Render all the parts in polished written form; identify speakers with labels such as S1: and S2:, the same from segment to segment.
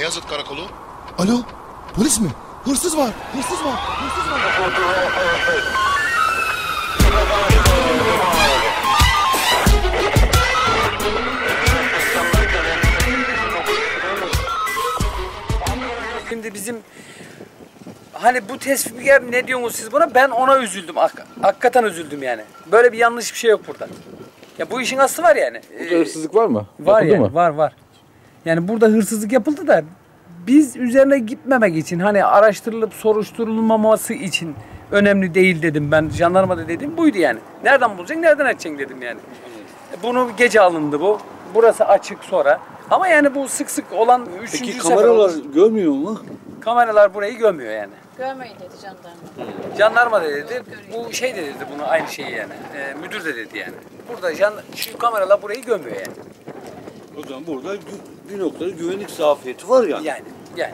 S1: Beyazıt Karakolu.
S2: Alo, polis mi? Hırsız var, hırsız var, hırsız var.
S3: Şimdi bizim hani bu tespihe ne diyorsunuz siz buna? Ben ona üzüldüm. Hakikaten üzüldüm yani. Böyle bir yanlış bir şey yok burada. Ya bu işin aslı var yani.
S4: Burada hırsızlık var mı?
S3: Var
S4: Yapıldı
S3: yani,
S4: mı?
S3: var. Yani burada hırsızlık yapıldı da biz üzerine gitmemek için hani araştırılıp soruşturulmaması için önemli değil dedim ben. Jandarmada dedim buydu yani. Nereden bulacaksın, nereden açacaksın dedim yani. Bunu gece alındı bu. Burası açık sonra. Ama yani bu sık sık olan üçüncü
S5: Peki
S3: sefer
S5: kameralar
S3: oldu.
S5: görmüyor mu?
S3: Kameralar burayı görmüyor yani.
S6: Görmeyin dedi jandarma.
S3: Jandarma da dedi, bu şey de dedi bunu aynı şeyi yani. Müdür de dedi yani. Burada şu kameralar burayı görmüyor yani.
S5: O zaman burada bir noktada güvenlik zafiyeti var yani.
S3: Yani.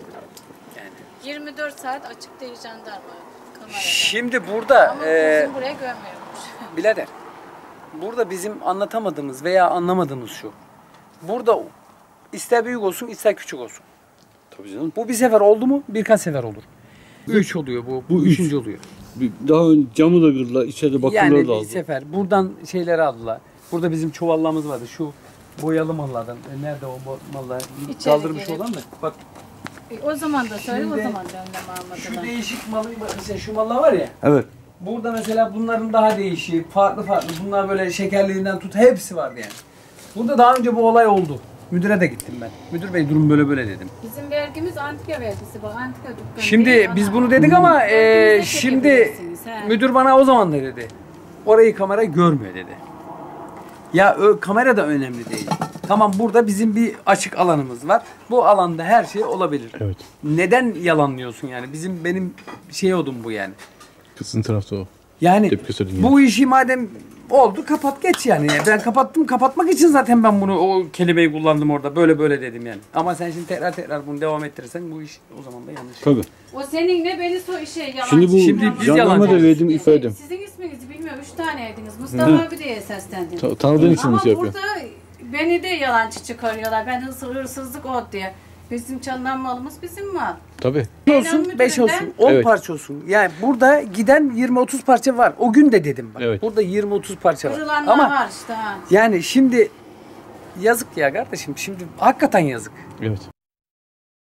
S6: 24 saat açık değil jandarma kamerada.
S3: Şimdi burada
S6: Ama bizim buraya görmüyormuş.
S3: birader, burada bizim anlatamadığımız veya anlamadığımız şu. Burada ister büyük olsun ister küçük olsun.
S5: Tabii canım.
S3: Bu bir sefer oldu mu birkaç sefer olur. 3 oluyor bu. Bu
S5: üç.
S3: 3. oluyor.
S5: Daha önce camı da kırdılar, içeride bakımları
S3: Yani
S5: da
S3: bir
S5: aldı.
S3: sefer şeyleri aldılar. Burada bizim çuvallarımız vardı. Şu boyalı mallardan. Nerede o mallar?
S6: İçeri
S3: Kaldırmış
S6: girip.
S3: olan da. Bak
S6: O zaman da söyle, o
S3: Şimdi
S6: zaman da önlem
S3: şu
S6: almadılar.
S3: değişik malı mesela şu mallar var ya.
S5: Evet.
S3: Burada mesela bunların daha değişik, farklı. Bunlar böyle şekerliğinden tut hepsi vardı yani. Burada daha önce bu olay oldu. Müdüre de gittim ben. Müdür bey durum böyle dedim.
S6: Bizim vergimiz antika vergisi, bak antika dükkanı.
S3: Şimdi
S6: değil,
S3: biz
S6: ana.
S3: bunu dedik ama
S6: Vergimizi de
S3: şimdi
S6: çekebilirsiniz, he.
S3: müdür bana o zaman da dedi. Orayı kamera görmüyor dedi. Ya kamera da önemli değil. Tamam burada bizim bir açık alanımız var. Bu alanda her şey olabilir.
S4: Evet.
S3: Neden yalanlıyorsun yani? Benim şey odum bu yani.
S4: Kızın tarafta o.
S3: Yani
S4: Tepki gösterdin
S3: bu işi madem oldu kapat geç yani. Ben kapatmak için zaten ben bunu o kelimeyi kullandım orada. Böyle dedim yani. Ama sen şimdi tekrar bunu devam ettirirsen bu iş o zaman da yanlış.
S5: Tabii.
S6: O seninle beni yalancı.
S5: Şimdi bu
S3: Şimdi biz
S5: jandarma da
S3: yalancıyız.
S5: verdiğim ifadem.
S6: Sizin isminizi bilmiyorum, 3 taneydiniz. Mustafa abi diye seslendin.
S5: Tanıdığın için mi
S6: Ama
S5: şey yapıyor?
S6: burada beni de yalancı çıkarıyorlar. Ben hırsızlık ol diye. Bizim çalınan malımız bizim mal.
S5: Tabii.
S3: 5 olsun, 5 olsun, 10
S5: Evet.
S3: parça olsun. Yani burada giden 20-30 parça var. O gün de dedim bak.
S5: Evet.
S3: Burada 20-30 parça var.
S6: Kırılanlar
S3: Ama
S6: var işte ha.
S3: yani şimdi yazık ya kardeşim. Şimdi hakikaten yazık.
S4: Evet.